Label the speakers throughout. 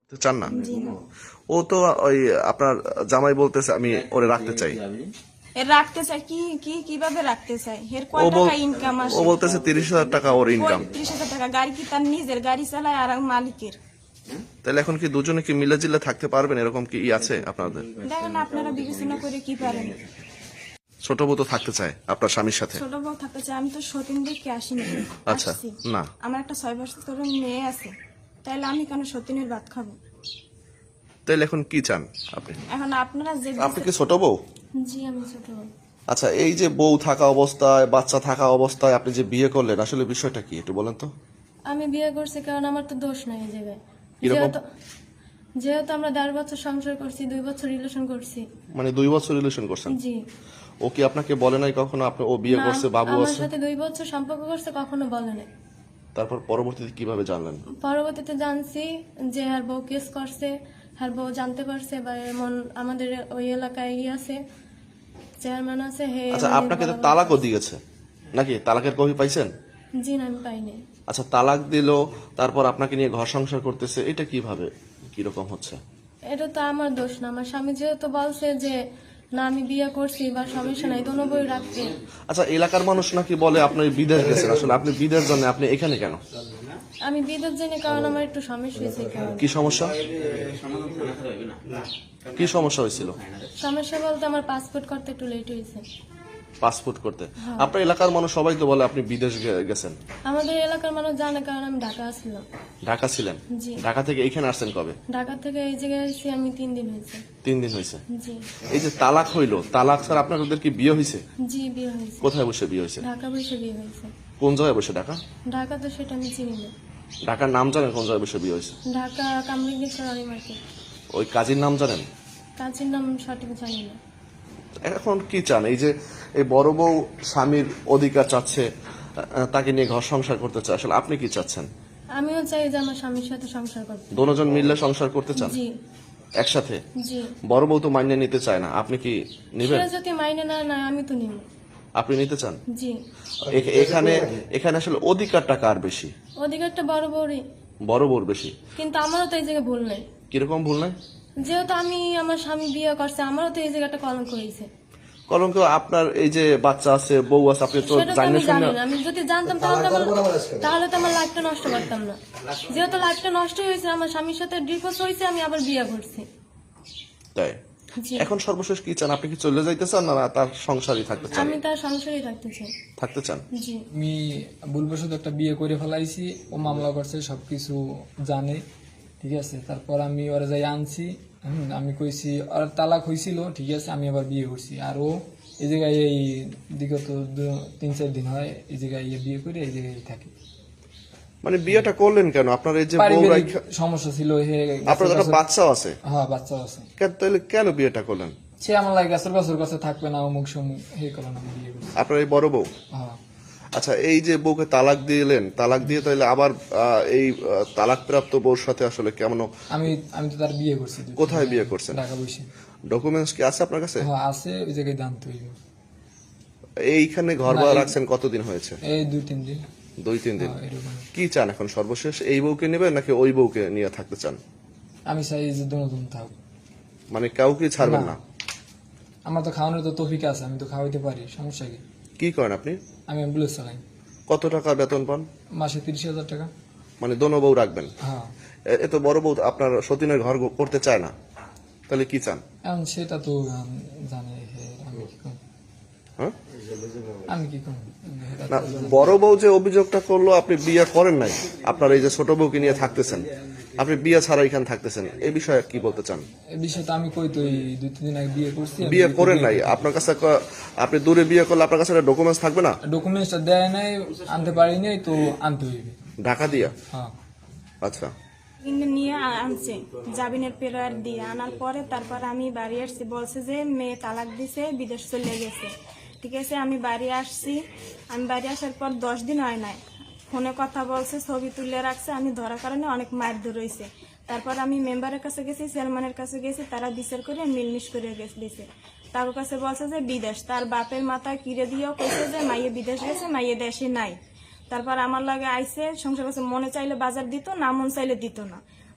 Speaker 1: চান না?
Speaker 2: জি না।
Speaker 1: ও তো ওই আপনার জামাই বলতেছে আমি ওরে রাখতে চাই।
Speaker 2: এর রাখতে চাই কিভাবে রাখতে চাই? এর
Speaker 1: ও
Speaker 2: কয়
Speaker 1: বল
Speaker 2: টাকা ইনকাম
Speaker 1: ও
Speaker 2: আসে?
Speaker 1: বলতেছে 30,000 টাকা ওর ইনকাম।
Speaker 2: 30,000 টাকা। গাড়ি কি তার নিজের? গাড়ি চালায় আর মালিকের।
Speaker 1: তাহলে এখন কি দুজনে কি মিলে জিলে থাকতে পারবেন, এরকম কি আছে আপনাদের?
Speaker 2: দেখেন আপনারা বিবেচনা করে কি পারেন।
Speaker 1: ছোট বউ তো থাকতে চায় আপনার স্বামীর সাথে।
Speaker 2: ছোট বউ থাকতে চাই। আমি তো সতীন দেখে আসিনি।
Speaker 1: আচ্ছা,
Speaker 2: আসছি।
Speaker 1: না।
Speaker 2: আমার একটা 6 বছর মেয়ে আছে, তাইলে আমি কেন সতীনের ভাত খাবো?
Speaker 1: তাহলে এখন কি চান আপনি?
Speaker 2: এখন আপনারা যে
Speaker 1: আপনি কি ছোট বউ?
Speaker 2: জি আমি ছোট বউ।
Speaker 1: আচ্ছা, এই যে বউ থাকা অবস্থায়, বাচ্চা থাকা অবস্থায় আপনি যে বিয়ে করলেন, আসলে বিষয়টা কি একটু বলেন তো?
Speaker 3: আমি বিয়ে করছি কারণ আমার তো দোষ নাই এই জায়গায়।
Speaker 1: কিরকম?
Speaker 3: যেহেতু আমরা 1.5 বছর সংসার করছি, 2 বছর রিলেশন করছি।
Speaker 1: মানে 2 বছর রিলেশন করছেন?
Speaker 3: জি।
Speaker 1: ও কি আপনাকে বলে নাই কখনো আপনি ও বিয়ে
Speaker 3: না,
Speaker 1: করছে, বাবু
Speaker 3: আমার
Speaker 1: আছে?
Speaker 3: সাথে 2 বছর সম্পর্ক করছে, কখনো বলে নাই।
Speaker 1: তারপর পরবর্তীতে কিভাবে জানলেন?
Speaker 3: পরবর্তীতে জানছি যে আর বউ কেস করছে, আর বউ জানতে পারছে বা এমন আমাদের ওই এলাকায় আছে চেয়ারম্যান আছে হে।
Speaker 1: আচ্ছা,
Speaker 3: মানে
Speaker 1: আপনাকে তো
Speaker 3: বলা বলি
Speaker 1: তালাকও
Speaker 3: করছে।
Speaker 1: দিয়েছে নাকি? তালাকের কপি পাইছেন?
Speaker 3: জি না, আমি পাইনি।
Speaker 1: আচ্ছা, তালাক দিল, তারপর আপনাকে নিয়ে ঘর সংসার করতেছে, এটা কিভাবে কিরকম হচ্ছে?
Speaker 3: এটা তো আমার দোষ না। আমার স্বামী যেহেতু বলছে যে না আমি বিয়ে করছি বা সমস্যা নাই, দোনো বই রাখতে।
Speaker 1: আচ্ছা, এলাকার মানুষ নাকি বলে আপনি বিদেশ গেছেন, আসলে আপনি বিদেশ জানেন, আপনি এখানে কেন?
Speaker 3: আমি বিদেশ জানি কারণ আমার একটু সমস্যা হয়েছে এই কারণে।
Speaker 1: কি সমস্যা? কি সমস্যা হয়েছিল?
Speaker 3: সমস্যা বলতে আমার পাসপোর্ট করতে একটু লেট হয়েছে।
Speaker 1: পাসপোর্ট করতে? আপনার এলাকার মানুষ সবাই তো বলে আপনি বিদেশ গেছেন।
Speaker 3: আমাদের এলাকার মানুষ জানে কারণ আমি ঢাকা ছিলাম।
Speaker 1: ঢাকা ছিলেন?
Speaker 3: জি।
Speaker 1: ঢাকা থেকে এখানে আসছেন কবে?
Speaker 3: ঢাকা থেকে এই জায়গায় এসেছি আমি 3 দিন হয়েছে।
Speaker 1: 3 দিন হয়েছে।
Speaker 3: জি।
Speaker 1: এই যে তালাক হইলো, তালাক স্যার আপনাদের কি বিয়ে হয়েছে?
Speaker 3: জি বিয়ে হয়েছে।
Speaker 1: কোথায় বসে বিয়ে হয়েছে?
Speaker 3: ঢাকা বসে বিয়ে হয়েছে।
Speaker 1: কোন জায়গায় বসে? ঢাকা?
Speaker 3: ঢাকা তো সেটা আমি চিনি না।
Speaker 1: ঢাকার নাম জানেন কোন জায়গায় বসে বিয়ে হয়েছে?
Speaker 3: ঢাকা কামরুজ্ঞেশ্বর আলী মার্কেট।
Speaker 1: ওই কাজীর নাম জানেন?
Speaker 3: কাজের নাম সঠিক জানি না।
Speaker 1: এখন কি চান? এই যে এই বড় বউ স্বামীর অধিকার চাচ্ছে, তাকে নিয়ে ঘর সংসার করতে চায়, আসলে আপনি কি চাচ্ছেন?
Speaker 3: আমিও চাই যে আমার স্বামীর সাথে সংসার করতে।
Speaker 1: দুজন মিললে সংসার করতে চান
Speaker 3: জি।
Speaker 1: একসাথে?
Speaker 3: জি।
Speaker 1: বড় বউ তো মাইনে নিতে চায় না, আপনি কি নিবেন?
Speaker 3: সেটা যদি মাইনে না নেয় আমি তো নিব।
Speaker 1: আপনি নিতে চান?
Speaker 3: জি।
Speaker 1: এখানে এখানে আসলে অধিকারটা কার বেশি?
Speaker 3: অধিকারটা বড় বড়ই,
Speaker 1: বড় বউর বেশি।
Speaker 3: কিন্তু আমারও তো এই জায়গায় ভুল নাই।
Speaker 1: কিরকম ভুল নাই?
Speaker 3: যেহেতু আমি আমার স্বামী বিয়ে করছে, আমারও তো এই জায়গাটা কলঙ্ক হয়েছে।
Speaker 1: কলঙ্ক আপনার, এই যে বাচ্চা আছে, বউ আছে, আপনি তো
Speaker 3: সেটা তো
Speaker 1: জানেন
Speaker 3: আমি
Speaker 1: শুনে।
Speaker 3: জানি না। আমি যদি জানতাম তাহলে তো আমার লাইফটা নষ্ট করতাম না। যেহেতু লাইফটা নষ্ট হয়েছে, আমার স্বামীর সাথে ডিভোর্স হয়েছে, আমি আবার বিয়ে করছি।
Speaker 1: তাই
Speaker 3: জি।
Speaker 1: এখন সর্বশেষ কি চান? আপনি কি চলে যাইতে চান না তার সংসারই থাকতে চান?
Speaker 3: আমি তার সংসারই থাকতে চাই।
Speaker 1: থাকতে চান?
Speaker 3: জি।
Speaker 4: আমি ভুলবশত একটা বিয়ে করে ফেলাইছি, ও মামলা করছে, সবকিছু জানে, ঠিক আছে। তারপর আমি ওরা যাই আনছি, আমি কইছি ওর তালাক হয়েছিল, ঠিক আছে, আমি আবার বিয়ে করছি। আর ও এই জায়গায় এই বিগত 3-4 দিন হয় এই জায়গায় বিয়ে করে এই জায়গায় থাকে।
Speaker 1: মানে বিয়েটা করলেন কেন? আপনার এই যে বউ
Speaker 4: পারিবারিক
Speaker 1: রাইখা-
Speaker 4: সমস্যা ছিল,
Speaker 1: আপনার একটা বাচ্চাও আছে,
Speaker 4: হ্যাঁ বাচ্চাও আছে।
Speaker 1: তাহলে কেন বিয়েটা করলেন?
Speaker 4: সে আমার লাগে গাছের গাছের কাছে থাকবে না, অমুক সমুক হে কারণে আমি বিয়ে করছি।
Speaker 1: আপনার এই বড় বউ?
Speaker 4: হ্যাঁ।
Speaker 1: আচ্ছা, এই যে বউকে তালাক দিলেন, তালাক দিয়ে তাহলে আবার এই তালাক প্রাপ্ত বউর সাথে আসলে কেমন?
Speaker 4: আমি আমি তো তার বিয়ে করছি।
Speaker 1: কোথায় বিয়ে করছেন?
Speaker 4: ঢাকা বসে।
Speaker 1: ডকুমেন্টস কি আছে আপনার কাছে?
Speaker 4: হ্যাঁ আছে, ওই জায়গায় জানতে হইব।
Speaker 1: এইখানে ঘর ভাড়া
Speaker 4: না,
Speaker 1: রাখছেন কতদিন হয়েছে?
Speaker 4: এই 2-3 দিন।
Speaker 1: 2-3 দিন।
Speaker 4: হ্যাঁ, এরকম।
Speaker 1: কি চান এখন সর্বশেষ? এই বউকে নেবেন নাকি ওই বউকে নিয়ে থাকতে চান?
Speaker 4: আমি চাই যে দুজন থাক।
Speaker 1: মানে কাউকে ছাড়বেন না?
Speaker 4: না। আমার তো খাওয়ানোর তো তৌফিক আছে, আমি তো খাওয়াইতে পারি, সমস্যা কি?
Speaker 1: কি করেন আপনি?
Speaker 4: আমি অ্যাম্বুলেন্স চালাই।
Speaker 1: কত টাকা বেতন পান?
Speaker 4: মাসে 30,000 টাকা।
Speaker 1: মানে দোনো বউ রাখবেন?
Speaker 4: হ্যাঁ।
Speaker 1: এত বড় বউ আপনার সতীনের ঘর করতে চায় না, তাহলে কি চান?
Speaker 4: এখন সেটা তো জানে আমি কি করব।
Speaker 1: হ্যাঁ,
Speaker 4: আমি কি করব?
Speaker 1: না, বড় বউ যে অভিযোগটা করলো আপনি বিয়ে করেন নাই, আপনার এই যে ছোট বউকে নিয়ে থাকতেছেন, আপনি বিয়ে ছাড়া এখানে থাকতেছেন, এই বিষয়ে কি বলতে চান?
Speaker 4: এই বিষয়টা আমি কই তো, এই 2-3 দিন আগে বিয়ে করছি।
Speaker 1: বিয়ে করেন নাই, আপনার কাছে আপনি দূরে বিয়ে করলে আপনার কাছে ডকুমেন্টস থাকবে না?
Speaker 4: ডকুমেন্টসটা দেয় নাই, আনতে পারি নাই, তো আনতে হইবে।
Speaker 1: ঢাকা দিয়া?
Speaker 4: হ্যাঁ।
Speaker 1: আচ্ছা।
Speaker 2: কিনে নিয়ে আনছে জামিনের পেরার দিয়ে আনার পরে তারপর আমি বাড়ি আসছি, বলছে যে মেয়ে তালাক দিছে, বিদেশ চলে গেছে। ঠিক আছে, আমি বাড়ি আসছি। আমি বাড়ি আসার পর 10 দিন হয় নাই, ফোনে কথা বলছে, ছবি তুলে রাখছে। আমি ধরার কারণে অনেক মারধর হয়েছে। তারপর আমি মেম্বারের কাছে গেছি, চেয়ারম্যানের কাছে গেছি, তারা বিচার করে মিলমিশ করে দিছে। তার কাছে বলছে যে বিদেশ, তার বাপের মাথায় কিরে দিয়েও কইছে যে মাইয়ে বিদেশ গেছে, মাইয়ে দেশে নাই। তারপর আমার লাগে আইসে সংসার কাছে, মনে চাইলে বাজার দিত না, মন চাইলে দিত না।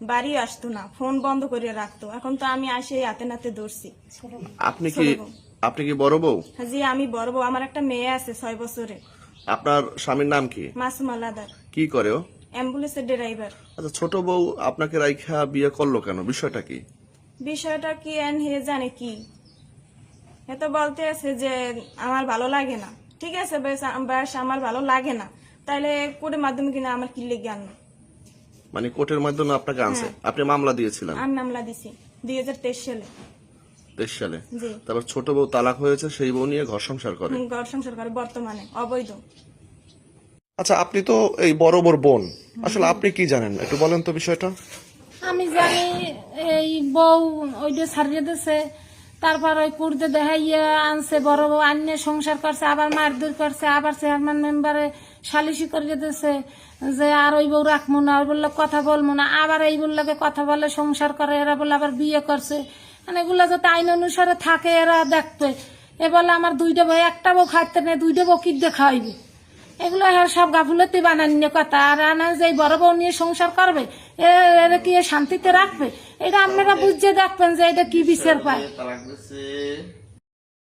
Speaker 2: বাড়ি আসতো না, ফোন বন্ধ করে রাখতো। এখন তো আমি আসে হাতে নাতে ধরছি।
Speaker 1: আপনি কি বড় বউ?
Speaker 2: জি আমি বড় বউ, আমার একটা মেয়ে আছে 6 বছরে।
Speaker 1: আপনার স্বামীর নাম কি?
Speaker 2: মাসুম আলাদার,
Speaker 1: কি করে ও?
Speaker 2: অ্যাম্বুলেন্সের ড্রাইভার।
Speaker 1: আচ্ছা, ছোট বউ আপনাকে রাইখা বিয়ে করলো কেন, বিষয়টা কি?
Speaker 2: বিষয়টা কি এন হে জানে কি, এ তো বলতে আছে যে আমার ভালো লাগে না। ঠিক আছে বেশ আমার ভালো লাগে না, তাহলে কোর্টের মাধ্যমে কিনা আমার কি লেগে আনলো।
Speaker 1: মানে কোর্টের মাধ্যমে আপনাকে আনছে, আপনি মামলা দিয়েছিলেন
Speaker 2: আমি মামলা দিছি 2023 সালে।
Speaker 1: 23 সালে।
Speaker 2: জি
Speaker 1: তারপর ছোট বউ তালাক হয়েছে, সেই বউ নিয়ে ঘর সংসার করে।
Speaker 2: ঘর সংসার করে বর্তমানে অবৈধ।
Speaker 1: আচ্ছা, আপনি তো এই বড় বড় বোন, আসলে আপনি কি জানেন একটু বলেন তো বিষয়টা।
Speaker 5: আমি জানি এই বউ ওইটা ছাড়িয়ে দিছে, তারপর ওই কুর্দে দেখাইয়া আনছে, বড় বউ আন্যে সংসার করছে, আবার মারধর করছে, আবার চেয়ারম্যান মেম্বারে সালিশি করিয়ে দিছে যে আর ওই বউ রাখবো না, ওই বললে কথা বলবো না, আবার এই বললে কথা বলে সংসার করে, এরা বলে আবার বিয়ে করছে। মানে এগুলো যাতে আইন অনুসারে থাকে এরা দেখবে। এ বলে আমার 2টা বউ, একটা বউ খাইতে নেই, 2টা বউ কি দিয়ে খাওয়াইবে। এগুলো সব গাফুলতি বানান্য কথা। আর আনা যে বড় বউ নিয়ে সংসার করবে, এরা কি শান্তিতে রাখবে? এটা আপনারা বুঝে দেখবেন যে এটা কি বিচার পায়।